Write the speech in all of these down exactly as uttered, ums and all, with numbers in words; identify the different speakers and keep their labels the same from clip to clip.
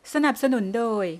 Speaker 1: สนับสนุนโดย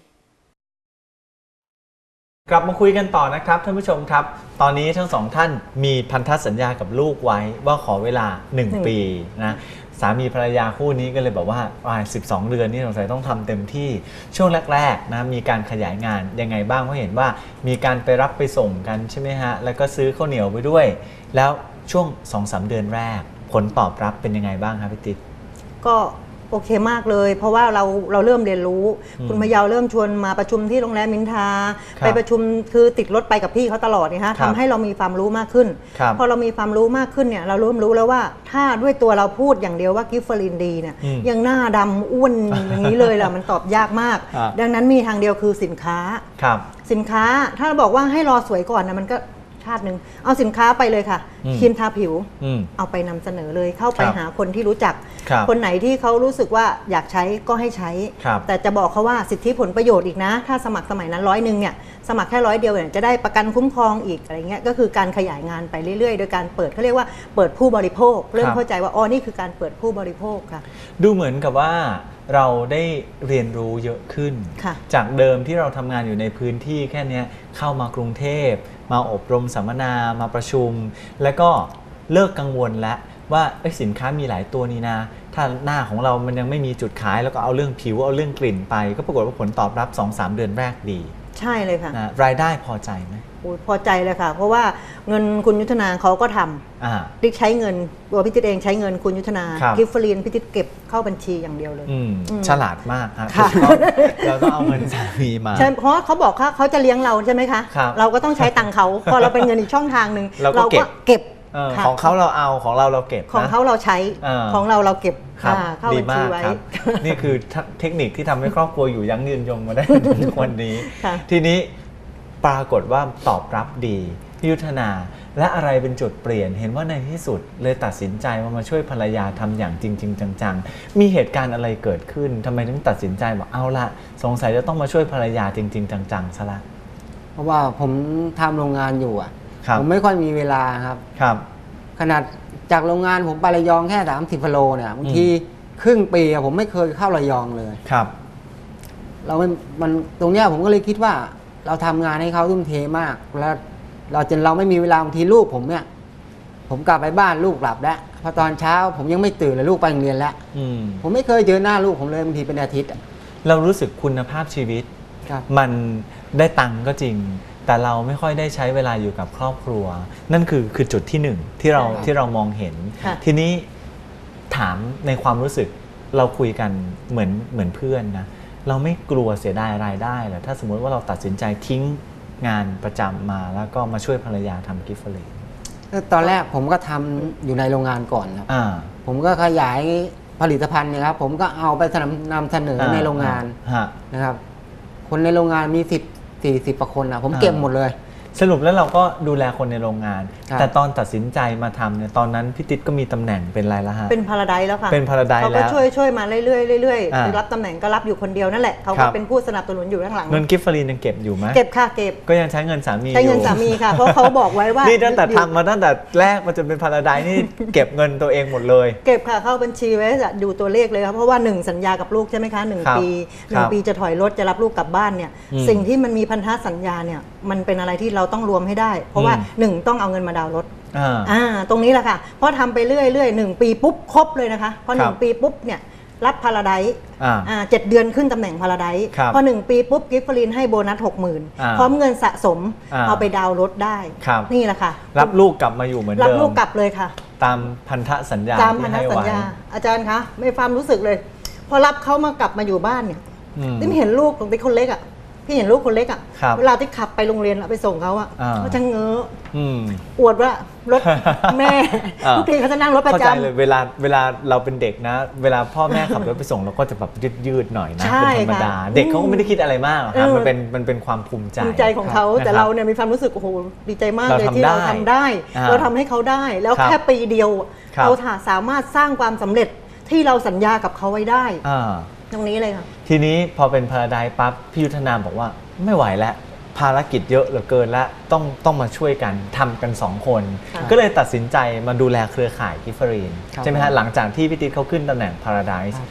Speaker 2: กลับมาคุยกันต่อนะครับท่านผู้ชมครับตอนนี้ทั้งสองท่านมีพันธสัญญากับลูกไว้ว่าขอเวลาหนึ่งปีนะสามีภรรยาคู่นี้ก็เลยบอกว่าสิบสองเดือนนี่สงสัยต้องทำเต็มที่ช่วงแรกๆนะมีการขยายงานยังไงบ้างเพราะเห็นว่ามีการไปรับไปส่งกันใช่ไหมฮะแล้วก็ซื้อข้าวเหนียวไปด้วยแล้วช่วง สองถึงสาม เดือนแรกผลตอบรับเป็นยังไงบ้างครับพี่ติ๊ก
Speaker 3: ก็โอเคมากเลยเพราะว่าเราเราเริ่มเรียนรู้คุณพยาวเริ่มชวนมาประชุมที่โรงแรมมินทาไปประชุมคือติดรถไปกับพี่เขาตลอดนะคะทำให้เรามีความรู้มากขึ้นพอเรามีความรู้มากขึ้นเนี่ยเราเริ่มรู้แล้วว่าถ้าด้วยตัวเราพูดอย่างเดียวว่ากิฟเฟอรินดีเนี่ยยังหน้าดำอ้วนอย่างนี้เลยล่ะมันตอบยากมากดังนั้นมีทางเดียวคือสินค้าสินค้าถ้าเราบอกว่าให้รอสวยก่อนนะมันก็ชาติหนึ่งเอาสินค้าไปเลยค่ะครีมทาผิวเอาไปนำเสนอเลยเข้าไปหาคนที่รู้จักคนไหนที่เขารู้สึกว่าอยากใช้ก็ให้ใช้แต่จะบอกเขาว่าสิทธิผลประโยชน์อีกนะถ้าสมัครสมัยนั้นร้อยหนึ่งเนี่ยสมัครแค่ร้อยเดียวเนี่ยจะได้ประกันคุ้มครองอีกอะไรเงี้ยก็คือการขยายงานไปเรื่อยๆโดยการเปิดเขาเรียกว่าเปิดผู้บริโภคเริ่มเข้าใจว่าอ๋อนี่คือการเปิดผู้บริโภคค่ะ
Speaker 2: ดูเหมือนกับว่าเราได้เรียนรู้เยอะขึ้นจากเดิมที่เราทำงานอยู่ในพื้นที่แค่นี้เข้ามากรุงเทพมาอบรมสัมมนามาประชุมแล้วก็เลิกกังวลแล้วว่าสินค้ามีหลายตัวนี้นะถ้าหน้าของเรามันยังไม่มีจุดขายแล้วก็เอาเรื่องผิวเอาเรื่องกลิ่นไปก็ปรากฏว่าผลตอบรับ สองถึงสาม เดือนแรกดี
Speaker 3: ใช่เลยค่ะ
Speaker 2: นะรายได้พอใจไหม
Speaker 3: พอใจเลยค่ะเพราะว่าเงินคุณยุทธนาเขาก็ทำติ๊กใช้เงินตัวพี่ติ๊กเองใช้เงินคุณยุทธนากิฟเฟอรีนพี่ติ๊กเก็บเข้าบัญชีอย่างเดียวเลย
Speaker 2: ฉลาดมากครับเราต้องเอาเงินสามีมา
Speaker 3: ใช่เพราะเขาบอกว่าเขาจะเลี้ยงเราใช่ไหมคะเราก็ต้องใช้ตังค์เขาพอเราเป็นเงินอีกช่องทางหนึ่งเราก็เก็บ
Speaker 2: ของเขาเราเอาของเราเราเก็บ
Speaker 3: ของเขาเราใช้ของเราเราเก็บเข้าบัญชีไว้
Speaker 2: นี่คือเทคนิคที่ทำให้ครอบครัวอยู่ยั้งยืนยงมาได้ถึงวันนี้ทีนี้ปรากฏว่าตอบรับดีพี่ยุทธนาและอะไรเป็นจุดเปลี่ยนเห็นว่าในที่สุดเลยตัดสินใจมามาช่วยภรรยาทำอย่างจริงๆจังๆมีเหตุการณ์อะไรเกิดขึ้นทำไมถึงตัดสินใจบอกเอาละสงสัยจะต้องมาช่วยภรรยาจริงๆจังๆซะละ
Speaker 4: เพราะว่าผมทำโรงงานอยู่อ่ะผมไม่ค่อยมีเวลาครับ
Speaker 2: ครับ
Speaker 4: ขนาดจากโรงงานผมไประยองแค่สามสิบกิโลเนี่ยบางทีครึ่งปีผมไม่เคยเข้าระยองเลย
Speaker 2: ครับ
Speaker 4: เราไม่มันตรงเนี้ยผมก็เลยคิดว่าเราทำงานให้เขาทุ่มเทมากแล้วเราจนเราไม่มีเวลาบางทีลูกผมเนี่ยผมกลับไปบ้านลูกหลับแล้วพอตอนเช้าผมยังไม่ตื่นเลยลูกไปโรงเรียนแล้วผมไม่เคยเจอหน้าลูกผมเลยบางทีเป็นอาทิตย์
Speaker 2: เรารู้สึกคุณภาพชีวิตมันได้ตังค์ก็จริงแต่เราไม่ค่อยได้ใช้เวลาอยู่กับครอบครัวนั่นคือคือจุดที่หนึ่งที่เราที่เรามองเห็นทีนี้ถามในความรู้สึกเราคุยกันเหมือนเหมือนเพื่อนนะเราไม่กลัวเสียดายรายได้เหรอถ้าสมมติว่าเราตัดสินใจทิ้งงานประจำมาแล้วก็มาช่วยภรรยาทำกิฟต์เฟอรี
Speaker 4: ตอนแรกผมก็ทำอยู่ในโรงงานก่อนครับผมก็ขยายผลิตภัณฑ์เนี่ยครับผมก็เอาไปนำเสนอในโรงงานนะครับคนในโรงงานมีสิบสี่สิบกว่าคนนะผมเก็บหมดเลย
Speaker 2: สรุปแล้วเราก็ดูแลคนในโรงงานแต่ตอนตัดสินใจมาทำเนี่ยตอนนั้นพี่ติ๊กก็มีตำแหน่งเป็นอะไรละฮะ
Speaker 3: เป็นพาราไดซ์แล้วค่ะ
Speaker 2: เป็นพาราไดซ์แล้ว
Speaker 3: เขาก็ช่วยช่วยมาเรื่อยๆเรื่อยๆรับตำแหน่งก็รับอยู่คนเดียวนั่นแหละเขาก็เป็นผู้สนับสนุนอยู่ข้างหลัง
Speaker 2: เงินกิฟต์ฟรียังเก็บอยู่ไหม
Speaker 3: เก็บค่ะเก็บ
Speaker 2: ก็ยังใช้เงินสามี
Speaker 3: ใช้เงินสามีค่ะเพราะเขาบอกไว้ว่า
Speaker 2: นี่ตั้งแต่ทำมาตั้งแต่แรกมาจนเป็นพาราไดซ์นี่เก็บเงินตัวเองหมดเลย
Speaker 3: เก็บค่ะเข้าบัญชีไว้ดูตัวเลขเลยครับเพราะว่าหนึ่งสัญญากับลูกใช่ไหมคะหนึ่งปีหนึ่งปีจะถอยรถจะรับลูกกลับบ้านเนี่ยสิ่งที่มันมีพันธสัญญาเนี่ยมันเป็นอะไรที่เราต้องรวมให้ได้เพราะว่าหนึ่งต้องเอาเงินมาดาวน์รถอ่าตรงนี้แหละค่ะเพราะทำไปเรื่อยเรื่อยหนึ่งปีปุ๊บครบเลยนะคะพอหนึ่งปีปุ๊บเนี่ยรับพาราไดซ์อ่าเจ็ดเดือนขึ้นตำแหน่งพาราไดซ์พอหนึ่งปีปุ๊บกิฟต์ฟรีนให้โบนัสหกหมื่นพร้อมเงินสะสมเอาไปดาวน์รถได้นี่แหละค่ะ
Speaker 2: รับลูกกลับมาอยู่เหมือนเดิม
Speaker 3: รับลูกกลับเลยค่ะ
Speaker 2: ตามพันธสัญญา
Speaker 3: ตามพันธสัญญาอาจารย์คะไม่ความรู้สึกเลยพอรับเขามากลับมาอยู่บ้านเนี่ยที่เห็นลูกของติ๊กคนเล็กอ่ะพี่เห็นลูกคนเล็กอ่ะเวลาที่ขับไปโรงเรียนไปส่งเขาอ่ะเขาจะเงื้ออวดว่ารถแม่ทุกทีเขาจะนั่งรถประจำเข้าใจ
Speaker 2: เลยเวลาเวลาเราเป็นเด็กนะเวลาพ่อแม่ขับรถไปส่งเราก็จะแบบยืดๆหน่อยนะเป็นธรรมดาเด็กเขาก็ไม่ได้คิดอะไรมากครับมันเป็นมันเป็นความภูมิใจ
Speaker 3: ภูมิใจของเขาแต่เราเนี่ยมีความรู้สึกโอ้โหดีใจมากเลยที่เราทำได้เราทำให้เขาได้แล้วแค่ปีเดียวเราสามารถสร้างความสำเร็จที่เราสัญญากับเขาไว้ได้ตรงนี้เลยค่ะ
Speaker 2: ทีนี้พอเป็นพาราไดซ์ปั๊บพี่ยุทธนาบอกว่าไม่ไหวแล้วภารกิจเยอะเหลือเกินและต้องต้องมาช่วยกันทำกันสองคนก็เลยตัดสินใจมาดูแลเครือข่ายกิฟต์ฟรีนใช่ไหมฮะหลังจากที่พี่ติ๊กเขาขึ้นตำแหน่งพาราไดซ์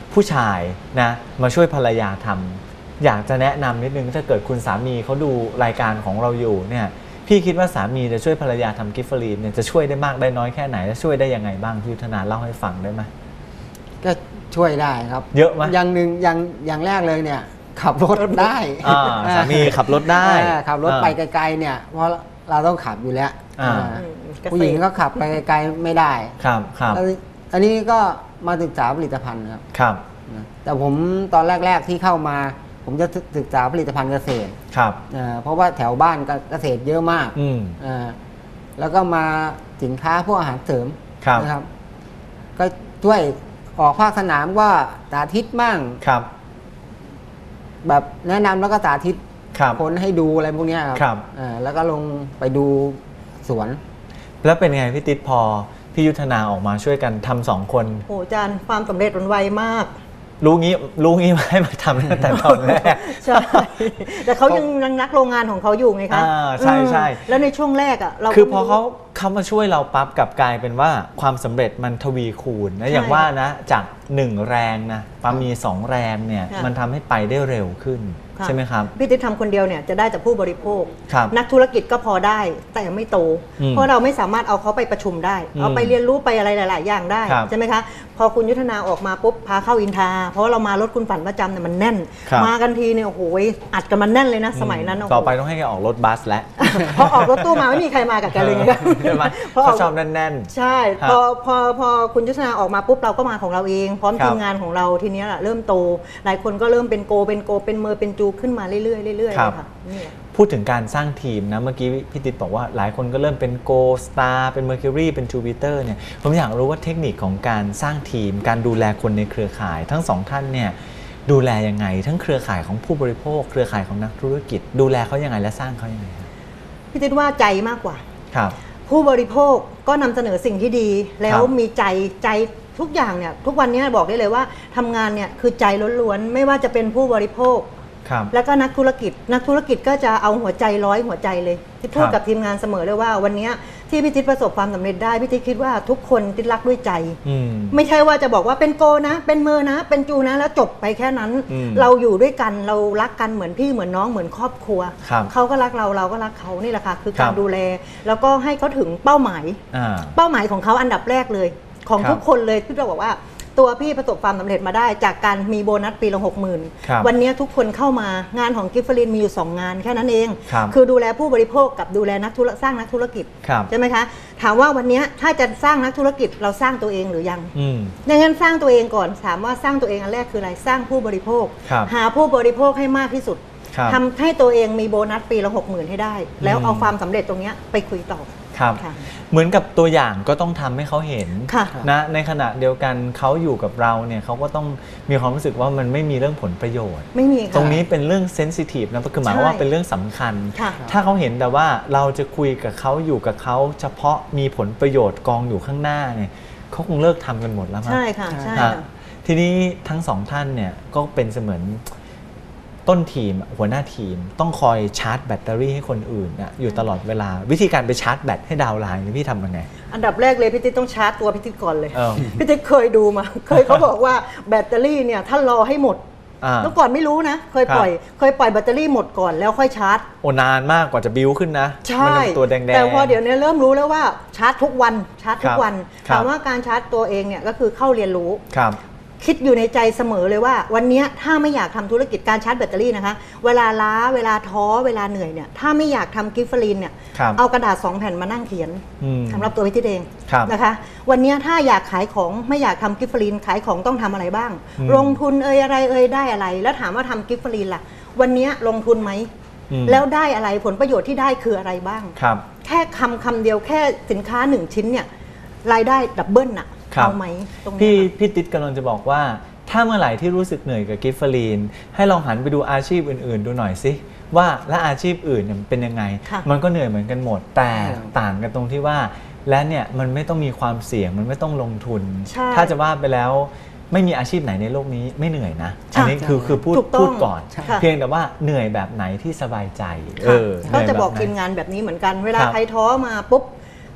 Speaker 2: ผู้ชายนะมาช่วยภรรยาทำอยากจะแนะนำนิดนึงถ้าเกิดคุณสามีเขาดูรายการของเราอยู่เนี่ยพี่คิดว่าสามีจะช่วยภรรยาทำกิฟเฟอรีนเนี่ยจะช่วยได้มากได้น้อยแค่ไหนและช่วยได้ยังไงบ้างพี่ยุทธนาเล่าให้ฟังได้ไหม
Speaker 4: ก็ช่วยได้ครับ
Speaker 2: เยอะไหม
Speaker 4: อย่างหนึ่งอย่างอย่างแรกเลยเนี่ยขับรถได้
Speaker 2: อ่าสามีขับรถได้
Speaker 4: อ่าขับรถไปไกลๆเนี่ยเพราะเราต้องขับอยู่แล้ว
Speaker 2: อ่า
Speaker 4: อ่าผู้หญิงก็ขับไปไกลๆไม่ได้
Speaker 2: ครับครับ
Speaker 4: แล้วอันนี้ก็มาศึกษาผลิตภัณฑ์ครับ
Speaker 2: ครับ
Speaker 4: นะแต่ผมตอนแรก ๆที่เข้ามา ผมจะศึกษาผลิตภัณฑ์เกษตร
Speaker 2: ครับ
Speaker 4: อ่าเพราะว่าแถวบ้านก็เกษตรเยอะมาก
Speaker 2: อืม
Speaker 4: อ่าแล้วก็มาสินค้าพวกอาหารเสริม
Speaker 2: ครับ
Speaker 4: นะครับ ก็ช่วยออกภาคสนามก็สาธิตมั่ง
Speaker 2: ครับ
Speaker 4: แบบแนะนำแล้วก็สาธิต
Speaker 2: ครับ
Speaker 4: คนให้ดูอะไรพวกเนี้ย
Speaker 2: ครับ
Speaker 4: อ่าแล้วก็ลงไปดูสวน
Speaker 2: แล้วเป็นไงพี่ติ๊ดพอพี่ยุทธนาออกมาช่วยกันทำสองคน
Speaker 3: โอ้อาจารย์ความสำเร็จมันไวมาก
Speaker 2: รู้งี้รู้งี้มาให้มาทำตั้งแต่ตอนแรก
Speaker 3: ใช่ แต่เขายังยังนักโรงงานของเขาอยู่ไงคะ
Speaker 2: อ่าใช่ใช่
Speaker 3: อืมแล้วในช่วงแรกอ่ะเรา
Speaker 2: คือ
Speaker 3: ก็
Speaker 2: พอ
Speaker 3: ไม่รู้
Speaker 2: เขาเขามาช่วยเราปั๊บกลับกลายเป็นว่าความสำเร็จมันทวีคูณนะ
Speaker 3: ใช่
Speaker 2: อย่างว่านะจากหนึ่งแรงนะปั๊บมีสองแรงเนี่ย
Speaker 3: ค่ะ
Speaker 2: มันทำให้ไปได้เร็วขึ้น
Speaker 3: ค่ะ
Speaker 2: ใช่ไหมครับ
Speaker 3: พี่ติ๊ดทำคนเดียวเนี่ยจะได้จากผู้บริโภค
Speaker 2: ครับ
Speaker 3: นักธุรกิจก็พอได้แต่ไม่โต
Speaker 2: อืม
Speaker 3: เพราะเราไม่สามารถเอาเขาไปประชุมได้
Speaker 2: อืม
Speaker 3: เอาไปเรียนรู้ไปอะไรหลาย ๆ อย่างได้
Speaker 2: ครับ
Speaker 3: ใช่ไหมคะพอคุณยุทธนาออกมาปุ๊บพาเข้าอินทาเพราะว่าเรามารถคุณฝันประจำเนี่ยมันแน่น
Speaker 2: ครับ
Speaker 3: มากันทีเนี่ยโอ้โหอัดกันมันแน่นเลยนะสมัยนั้นโโห
Speaker 2: ต่อไปต้องให้แกออกรถบัสแล้ว
Speaker 3: พอออกรถตู้มาไม่มีใครมากับแกเลยไง
Speaker 2: ใช่ไหม
Speaker 3: พออ
Speaker 2: เขา
Speaker 3: อก
Speaker 2: ชอบแน่น
Speaker 3: ใช่
Speaker 2: ครับ
Speaker 3: พอพอพอคุณยุทธนาออกมาปุ๊บเราก็มาของเราเอง พร้อม
Speaker 2: ครับ
Speaker 3: ทีมงานของเราทีเนี้ยแหละเริ่มโต หลายคนก็เริ่มเป็นโกเป็นโกเป็นเมอร์เป็นจูขึ้นมาเรื่อยๆเรื่อยๆ
Speaker 2: ครั
Speaker 3: เล
Speaker 2: บ
Speaker 3: ยค่ะนี่แหละ
Speaker 2: พูดถึงการสร้างทีมนะเมื่อกี้พี่ติ๊ดบอกว่าหลายคนก็เริ่มเป็นโกสตาร์เป็น Mercury เป็น Jupiter เนี่ยผมอยากรู้ว่าเทคนิคของการสร้างทีม การดูแลคนในเครือข่าย ทั้งสองท่านเนี่ยดูแลยังไง ทั้งเครือข่ายของผู้บริโภค เครือข่ายของนักธุรกิจ ดูแลเขายังไงและสร้างเขายังไงครับ
Speaker 3: พี่ติ๊ดว่าใจมากกว่า
Speaker 2: ครับ
Speaker 3: ผู้บริโภคก็นำเสนอสิ่งที่ดี แล้ว
Speaker 2: ครับ
Speaker 3: มีใจใจทุกอย่างเนี่ยทุกวันนี้บอกได้เลยว่าทำงานเนี่ยคือใจล้วนๆไม่ว่าจะเป็นผู้บริโภค
Speaker 2: ครับ
Speaker 3: แล้วก็นักธุรกิจ นักธุรกิจก็จะเอาหัวใจร้อยหัวใจเลยที่พูด
Speaker 2: ครับ
Speaker 3: กับทีมงานเสมอเลยว่าวันนี้ที่พี่ติ๊ดประสบความสำเร็จได้พี่ติ๊ดคิดว่าทุกคนติ๊ดรักด้วยใจ
Speaker 2: อืม
Speaker 3: ไม่ใช่ว่าจะบอกว่าเป็นโกนะ เป็นเมอร์นะ เป็นจูนะแล้วจบไปแค่นั้น
Speaker 2: อืม
Speaker 3: เราอยู่ด้วยกันเรารักกันเหมือนพี่เหมือนน้องเหมือนครอบครัว
Speaker 2: ครับ
Speaker 3: เขาก็รักเราเราก็รักเขานี่แหละค่ะคือ
Speaker 2: ครั
Speaker 3: กา
Speaker 2: บ
Speaker 3: รดูแล แล้วก็ให้เขาถึงเป้าหมาย
Speaker 2: อ่า
Speaker 3: เป้าหมายของเขาอันดับแรกเลย ของ
Speaker 2: ครับ
Speaker 3: ทุกคนเลยที่เราบอกว่าตัวพี่ประสบความสำเร็จมาได้ จากการมีโบนัสปีละหกหมื่น
Speaker 2: ครับ
Speaker 3: วันนี้ทุกคนเข้ามางานของกิฟเฟอรินมีอยู่สองงานแค่นั้นเอง
Speaker 2: ครับ
Speaker 3: คือดูแลผู้บริโภคกับดูแลนักธุรสร้างนักธุรกิจ
Speaker 2: ครับ
Speaker 3: ใช่ไหมคะถามว่าวันนี้ถ้าจะสร้างนักธุรกิจเราสร้างตัวเองหรือยัง
Speaker 2: อืม
Speaker 3: ดังนั้นสร้างตัวเองก่อนถามว่าสร้างตัวเองอันแรกคืออะไรสร้างผู้บริโภค
Speaker 2: ครับ
Speaker 3: หาผู้บริโภคให้มากที่สุด
Speaker 2: ครับ
Speaker 3: ทำให้ตัวเองมีโบนัสปีละหกหมื่นให้ได้ แล้ว
Speaker 2: อืม
Speaker 3: เอาความสำเร็จตรงเนี้ยไปคุยต่อ
Speaker 2: ครับ
Speaker 3: ค่ะ
Speaker 2: เหมือนกับตัวอย่างก็ต้องทำให้เขาเห็น
Speaker 3: ค่ะ
Speaker 2: นะในขณะเดียวกันเขาอยู่กับเราเนี่ยเขาก็ต้องมีความรู้สึกว่ามันไม่มีเรื่องผลประโยชน์
Speaker 3: ไม่มีค่ะ
Speaker 2: ตรงนี้เป็นเรื่องเซนซิทีฟนะคือหมายความว่า
Speaker 3: ใช่
Speaker 2: เป็นเรื่องสำคัญ
Speaker 3: ค่ะ
Speaker 2: ถ้าเขาเห็นแต่ว่าเราจะคุยกับเขาอยู่กับเขาเฉพาะมีผลประโยชน์กองอยู่ข้างหน้าเนี่ยเขาคงเลิกทำกันหมดแล้วมั้ง
Speaker 3: ใช่ค่ะใช่
Speaker 2: ฮะ
Speaker 3: ค่ะ
Speaker 2: ทีนี้ทั้งสองท่านเนี่ยก็เป็นเสมือนต้นทีมหัวหน้าทีม ต้องคอยชาร์จแบตเตอรี่ให้คนอื่นนะอยู่ตลอดเวลา วิธีการไปชาร์จแบตให้ดาวน์ไลน์นี่พี่ทำยังไง
Speaker 3: อันดับแรกเลยพี่ติ๊กต้องชาร์จตัวพี่ติ๊กก่อนเลย
Speaker 2: เออ
Speaker 3: พี่ติ๊กเคยดูมา เคยเขาบอกว่าแบตเตอรี่เนี่ยถ้ารอให้หมด
Speaker 2: อ่า
Speaker 3: เมื่อก่อนไม่รู้นะ เคยปล่อย เคยปล่อยแบตเตอรี่หมดก่อนแล้วค่อยชาร์จ
Speaker 2: โอ้นานมากกว่าจะบิ้วขึ้นนะ
Speaker 3: ใช่
Speaker 2: มัเป็นตัวแดงๆ
Speaker 3: แต่พอเดี๋ยวนี้เริ่มรู้แล้วว่าชาร์จทุกวันชาร์จทุ
Speaker 2: ครั
Speaker 3: ก
Speaker 2: บ
Speaker 3: วัน
Speaker 2: ครับ
Speaker 3: ถามว่าการชาร์จตัวเองเนี่ยก็คือเข้าเรียนรู้
Speaker 2: ครับ
Speaker 3: คิดอยู่ในใจเสมอเลยว่า วันเนี้ยถ้าไม่อยากทำธุรกิจการชาร์จแบตเตอรี่นะคะ เวลาล้าเวลาท้อเวลาเหนื่อยเนี่ยถ้าไม่อยากทำกิฟเฟอรีนเนี่ย
Speaker 2: ครับ
Speaker 3: เอากระดาษสองแผ่นมานั่งเขียน
Speaker 2: อืม
Speaker 3: สำหรับตัวพี่ติ๊กเอง
Speaker 2: ครับ
Speaker 3: นะคะ วันเนี้ยถ้าอยากขายของไม่อยากทำกิฟเฟอรีนขายของต้องทำอะไรบ้าง
Speaker 2: อืม
Speaker 3: ลงทุนเอ่ยอะไรเอ่ยได้อะไร แล้วถามว่าทำกิฟเฟอรีนล่ะ วันเนี้ยลงทุนไหม
Speaker 2: อืม
Speaker 3: แล้วได้อะไรผลประโยชน์ที่ได้คืออะไรบ้าง
Speaker 2: ครับ
Speaker 3: แค่คำคำเดียวแค่สินค้าหนึ่งชิ้นเนี่ยรายได้ดับเบิลน่ะ
Speaker 2: ครับ
Speaker 3: เอาไหมตรง
Speaker 2: พี่
Speaker 3: เนี้ย
Speaker 2: พี่ติ๊ดกำลังจะบอกว่า ถ้าเมื่อไหร่ที่รู้สึกเหนื่อยกับกิฟเฟอรีนให้ลองหันไปดูอาชีพอื่น ๆ ดูหน่อยสิว่าและอาชีพอื่นเนี่ยมันเป็นยังไง
Speaker 3: ค่ะ
Speaker 2: มันก็เหนื่อยเหมือนกันหมด แต่
Speaker 4: ครับ
Speaker 2: ต่างกันตรงที่ว่า และเนี่ยมันไม่ต้องมีความเสี่ยงมันไม่ต้องลงทุน
Speaker 3: ใช่
Speaker 2: ถ้าจะว่าไปแล้วไม่มีอาชีพไหนในโลกนี้ไม่เหนื่อยนะ
Speaker 3: ใช่
Speaker 2: อันนี้คือคือพูด
Speaker 3: ถูกต้อง
Speaker 2: พูดก่อน
Speaker 4: ใช่
Speaker 3: ค่ะ
Speaker 2: เพียงแต่ว่าเหนื่อยแบบไหนที่สบายใจเอ
Speaker 3: ค่ะ
Speaker 2: อ
Speaker 3: ก็จะ
Speaker 2: เหนื่ย
Speaker 3: บอก
Speaker 2: แบบไหน
Speaker 3: ทีมงานแบบนี้เหมือนกัน เวลา
Speaker 2: ครับ
Speaker 3: ใครท้อมาปุ๊บ ท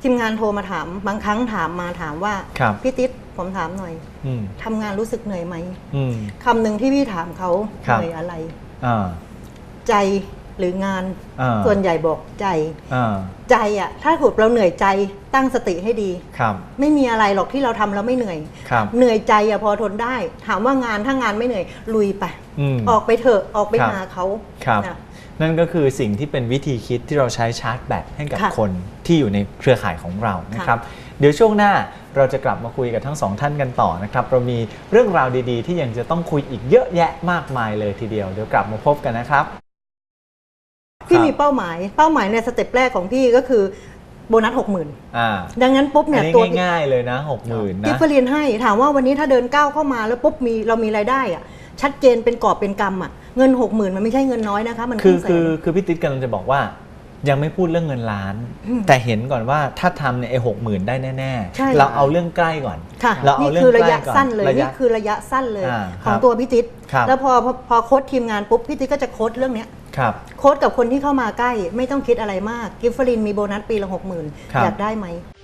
Speaker 3: ทีมงานโทรมาถามบางครั้งถามมาถามว่า
Speaker 2: ครับ
Speaker 3: พี่ติ๊ดผมถามหน่อย
Speaker 2: อืม
Speaker 3: ทำงานรู้สึกเหนื่อยไหม
Speaker 2: อืม
Speaker 3: คำหนึ่งที่พี่ถามเขา
Speaker 2: ครั
Speaker 3: เห
Speaker 2: บ
Speaker 3: นื่อยอะไร
Speaker 2: อ่า
Speaker 3: ใจหรืองาน
Speaker 2: อ่า
Speaker 3: ส่วนใหญ่บอกใจ
Speaker 2: อ่า
Speaker 3: ใจอ่ะถ้าถูกเราเหนื่อยใจตั้งสติให้ดี
Speaker 2: ครับ
Speaker 3: ไม่มีอะไรหรอกที่เราทำแล้วไม่เหนื่อย
Speaker 2: ครับ
Speaker 3: เหนื่อยใจอะพอทนได้ ถามว่างานถ้างานไม่เหนื่อยลุยไป
Speaker 2: อืม
Speaker 3: ออกไปเถอะออกไป
Speaker 2: ครับ
Speaker 3: หาเขา
Speaker 2: ครับ
Speaker 3: นะ
Speaker 2: นั่นก็คือสิ่งที่เป็นวิธีคิดที่เราใช้ชาร์จแบตให้กับ
Speaker 3: ค่ะ
Speaker 2: คนที่อยู่ในเครือข่ายของเรานะครับ เดี๋ยวช่วงหน้าเราจะกลับมาคุยกับทั้งสองท่านกันต่อนะครับ เรามีเรื่องราวดีๆ ที่ยังจะต้องคุยอีกเยอะแยะมากมายเลยทีเดียว เดี๋ยวกลับมาพบกันนะครับ
Speaker 3: พี่
Speaker 2: ครับ
Speaker 3: มีเป้าหมาย เป้าหมายในสเต็ปแรกของพี่ก็คือโบนัสหกหมื่น
Speaker 2: อ่า
Speaker 3: ดังนั้นปุ๊บ
Speaker 2: อั
Speaker 3: เนี่ย
Speaker 2: นนี้
Speaker 3: ตัว
Speaker 2: ง่ายๆเลยนะหกหมื่น
Speaker 3: กิ
Speaker 2: นะ
Speaker 3: ฟเฟอรีนให้ถามว่าวันนี้ถ้าเดินก้าวเข้ามาแล้วปุ๊บมีเรามีรายได้อะชัดเจนเป็นกอบเป็นกำอะเงินหกหมื่นมันไม่ใช่เงินน้อยนะคะมัน
Speaker 2: คือ
Speaker 3: รึ่งแสน
Speaker 2: คือคือพี่ติ๊ดกำลังจะบอกว่า ยังไม่พูดเรื่องเงินล้าน
Speaker 3: อืม
Speaker 2: แต่เห็นก่อนว่าถ้าทำเนี่ยไอ้หกหมื่นได้แน่
Speaker 3: ใช่
Speaker 2: ๆ เราเอาเรื่องใกล้ก่อน
Speaker 3: ค่ะ
Speaker 2: เราเอา
Speaker 3: นี่
Speaker 2: เรื่อง
Speaker 3: คือระ
Speaker 2: ใกล้
Speaker 3: ยะ
Speaker 2: ก่อน
Speaker 3: สั้นเลย
Speaker 2: ระยะ
Speaker 3: นี่คือระยะสั้นเลย
Speaker 2: อ่า
Speaker 3: ของ
Speaker 2: ครับ
Speaker 3: ตัวพี่ติ๊ด
Speaker 2: ครับ
Speaker 3: แล้วพอพอพอโค้ดทีมงานปุ๊บพี่ติ๊ดก็จะโค้ดเรื่องเนี้ย
Speaker 2: ครับ
Speaker 3: โค้ดกับคนที่เข้ามาใกล้ไม่ต้องคิดอะไรมากกิฟเฟอรินมีโบนัสปีละหกหมื่น
Speaker 2: ครับ
Speaker 3: อยากได้ไหม